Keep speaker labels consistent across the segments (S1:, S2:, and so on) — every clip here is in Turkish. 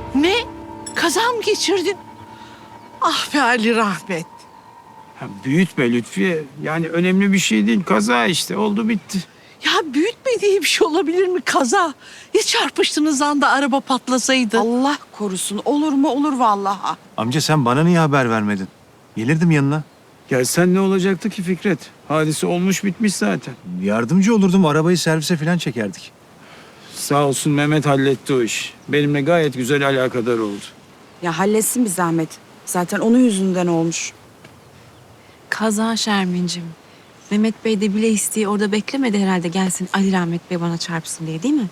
S1: Ne? Kaza mı geçirdin? Ah be Ali Rahmet.
S2: Ha, büyütme Lütfiye. Yani önemli bir şey değil. Kaza işte. Oldu bitti.
S1: Ya büyütmediği bir şey olabilir mi kaza? Ya çarpıştığınız anda araba patlasaydı?
S3: Allah korusun. Olur mu olur vallahi.
S4: Amca sen bana niye haber vermedin? Gelirdim yanına.
S2: Ya sen ne olacaktı ki Fikret? Hadise olmuş bitmiş zaten.
S4: Yardımcı olurdum, arabayı servise falan çekerdik.
S2: Sağ olsun Mehmet halletti o iş. Benimle gayet güzel alakadar oldu.
S3: Ya halletsin bir zahmet. Zaten onun yüzünden olmuş.
S5: Kaza Şermin'cim. Mehmet Bey de bile isteği orada beklemedi herhalde gelsin Ali Rahmet Bey bana çarpsın diye değil mi?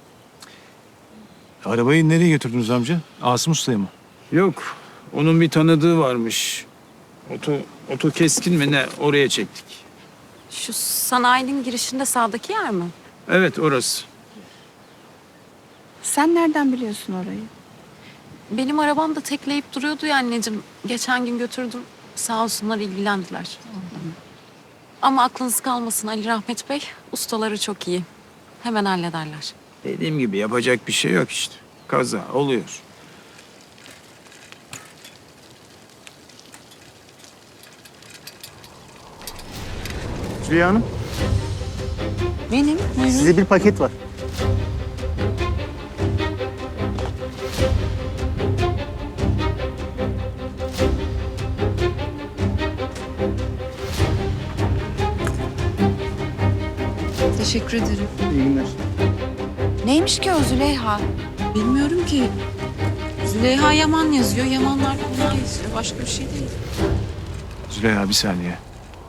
S4: Arabayı nereye götürdünüz amca? Asım Usta'ya mı?
S2: Yok. Onun bir tanıdığı varmış. Oto keskin mi ne? Oraya çektik.
S5: Şu sanayinin girişinde sağdaki yer mi?
S2: Evet orası.
S3: Sen nereden biliyorsun orayı?
S5: Benim arabam da tekleyip duruyordu ya anneciğim. Geçen gün götürdüm. Sağ olsunlar ilgilendiler. Ama aklınız kalmasın Ali Rahmet Bey. Ustaları çok iyi. Hemen hallederler.
S2: Dediğim gibi yapacak bir şey yok işte. Kaza oluyor.
S6: Züleyha Hanım,
S3: Benim. Buyurun.
S6: size bir paket var.
S5: Teşekkür ederim.
S6: İyi günler.
S3: Neymiş ki o Züleyha?
S5: Bilmiyorum ki. Züleyha Yaman yazıyor. Yamanlar bunu yazıyor. Başka bir şey değil.
S4: Züleyha bir saniye.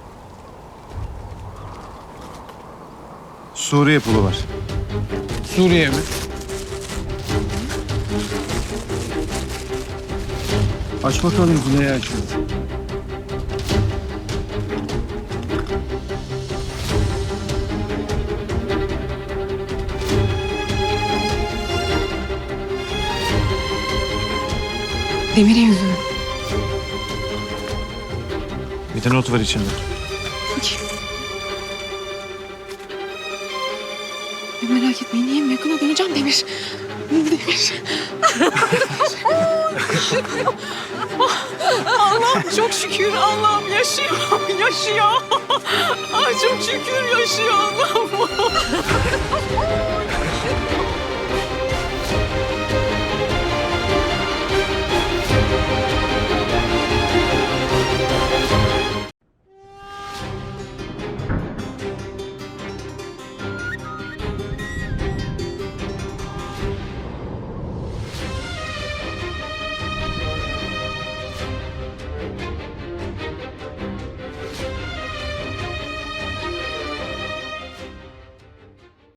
S4: Suriye pulu var.
S2: Suriye mi? Aç bakalım Züleyha aç.
S5: Demir'e yazıyor.
S4: Bir de not var içinde.
S5: Merak etmeyin iyiyim. Yakına döneceğim Demir. Demir.
S1: Allah'ım çok şükür. Allah'ım yaşıyor. Yaşıyor. Ay çok şükür yaşıyor Allah'ım.